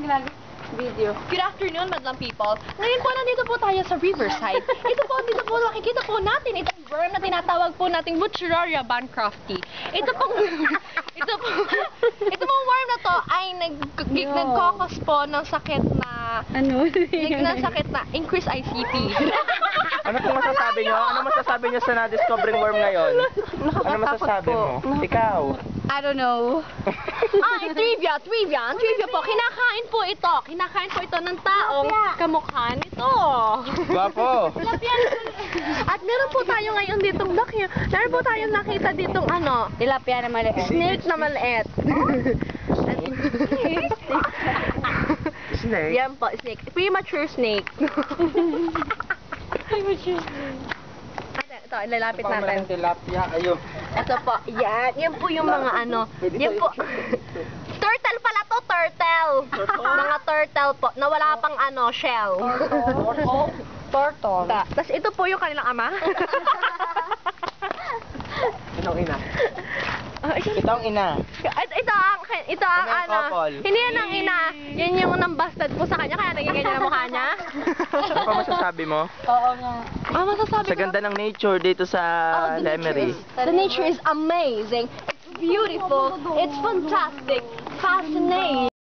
Video. Good afternoon, madlang people. Ngayon po, nandito po tayo sa Riverside. Dito po, makikita po natin itong worm na tinatawag po nating Butyraria bancrofti. Ito pong worm na to ay nagkokos po ng sakit na increased ICP. Ano pong masasabi nyo? Ano masasabi nyo sa na-discovering worm ngayon? Ano masasabi mo? Ikaw? I don't know. Trivia po. Kinakain po ito ng taong kamukha nito. Gwapo. At meron po tayo ngayon ditong meron po tayong nakita ditong Tilapia na maliit. snake na maliit. Snake? Yan po, snake. Premature snake. Ito, ilalapit natin. Tilapia, ayun. Ito po, yan. Yan po yung mga yan po. Turtle pala to, turtle. Mga turtle po, na wala pang shell. Turtle. Tapos ito po yung kanilang ama. Itong ina. Itong ina. Ito ang couple. hindi yan ang ina. Yan yung nambasted po sa kanya, kaya naging ganyan ang mukha niya. Ano pa masasabi mo? Oo nga. Masasabi Sa ganda ng nature dito sa Lemery. The nature is amazing. It's beautiful. It's fantastic. Fascinating.